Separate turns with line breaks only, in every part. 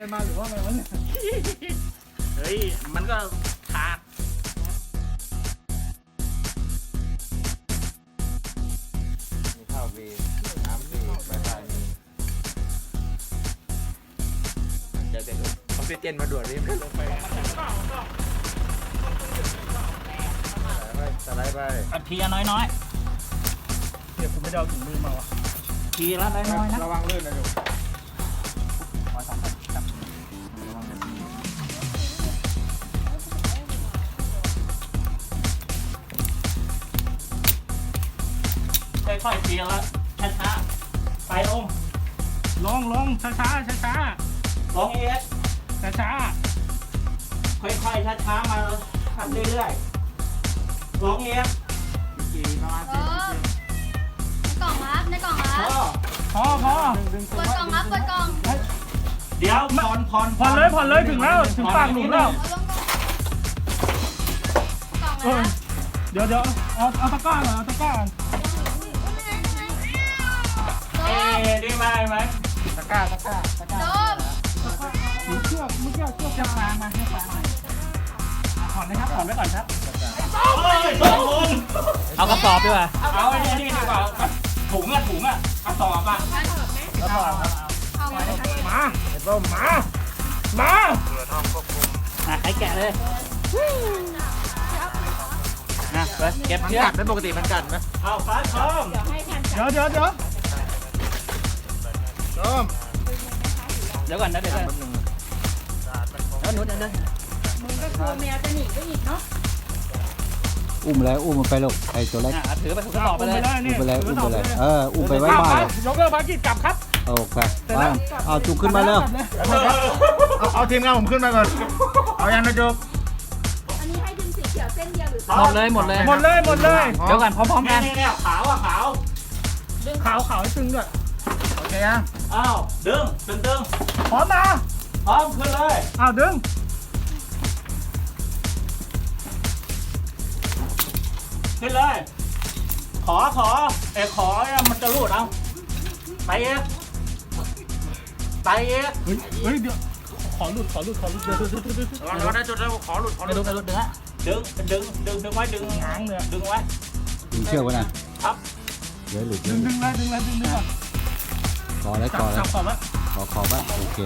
มาหรือว่าไงวะเนี่ย
เฮ้ยมันก็ขาด
มีข้าววีน้ำวีไฟฟ้ามีเจอเสร็จออกซิเจนมาด่วนรีบขึ้นลงไปสไลด์ไป
อัดทีละน้อย
เดี๋ยวผมไม่ได้เอาถุงมือมาวะ
ๆทีละน้อยๆนะ
ระวังลื่นนะลูก
ค่อยๆทีละช้าๆไปลง
ลงช้าช้า
ลงเอส
ช้าช้า
ค่อยๆช้าๆมาทำเรื่อยๆลงเอส
กี่ประมาณ
ในกล่องครับในกล่องครับ
พอ
เปิดกล่องครับเปิดกล่อง
เดี๋ยวผ่อน
ผ่อนเลยถึงแล้วถึงปากหลุมแล้ว
เอาลงกล่องเลยครับ
เดี๋ยวเอาตะกร้าก่อนเอาตะกร้าก่อน
เอ๊ะดีไหม
ตะกร้า
โดม
ถือเชือกเมื่อกี้เชือกจะฟางมาให้ฟางมาผ่อนนะครับผ่อนไว้ก่อนครับ
เฮ้ยตกลง
เอากระสอบดีกว่า
เอาไอ้นี่ดีกว่าถุงอะกระสอบอะ
แล้วผ่อนครับ
เอามาเลยครับ
มาไอ้ต้มมา
อ่ะให้แกะเลยนะไปเก็บ
มัน
เชือ
กั
ก
ดไหมปกติมันกัดไหม
เอาฟ้าพร้อม
เดี๋ยว
ต้ม
เดี๋ยวก่อนนะเดี๋ยวก่อนแล้วหนุนเดิน
มึงก็กลัวแมวจะหนีไปอีกเนาะ
อุ้มเลยอุ้มมันไปลูกไอ้ตัวเล็ก
อ่ะถือไปถุงกระสอบไปเลย
อุ้มไปเลยอุ้มไปเลยอุ้มไปไว้บ้านเลย
ยกเลิกภารกิจกลับครับ
โอเคบ้านเอาจุกขึ้นมาเร็ว
เอาทีมงานผมขึ้นมาก่อนเอายังนะจุก
อันนี้ให้ดึงสีเขียวเส้นเดียวหรือ
หมดเลย
หมดเลย
เดี๋ยวก่อนพร้อมๆกัน
นี่ขาวอะขาว
ขาวให้ตึงด้วย
โอเคยัง
อ้าวดึง
พร้อมนะ
พร้อมขึ้นเลย
อ้าวดึง
ขึ้นเลย ขอมันจะรูดเอาไปเอง
เฮ้ยเดี๋ยวขอหลุดเดี๋ยว
ระวังนะจุดแล้วขอหลุด
ไม่รู้เนื้อ
ดึงไว้ดึง
หางเลย
ดึงไว้
ดึงเชือกไว้นะครับ เดี๋ยวหลุด
ดึงก่อน
ก่อเลย
จั
ก่อบ เลย
ก่อนละ
ขอไว้โอเค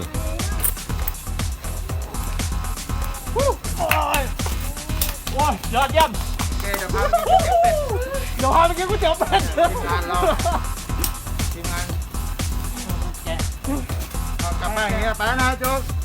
โอ้ยยอดเยี่ยม
โอเคเดี๋ยวพาไปกินก๋วยเตี๋ยวเป็ด
เดี๋ยวพาไปกินก๋วยเตี๋ยวเป็ด
ทีมงานเราทีมงาน
แกะ
เอากลับมาอย่างเงี้ยไปแล้วนะจุก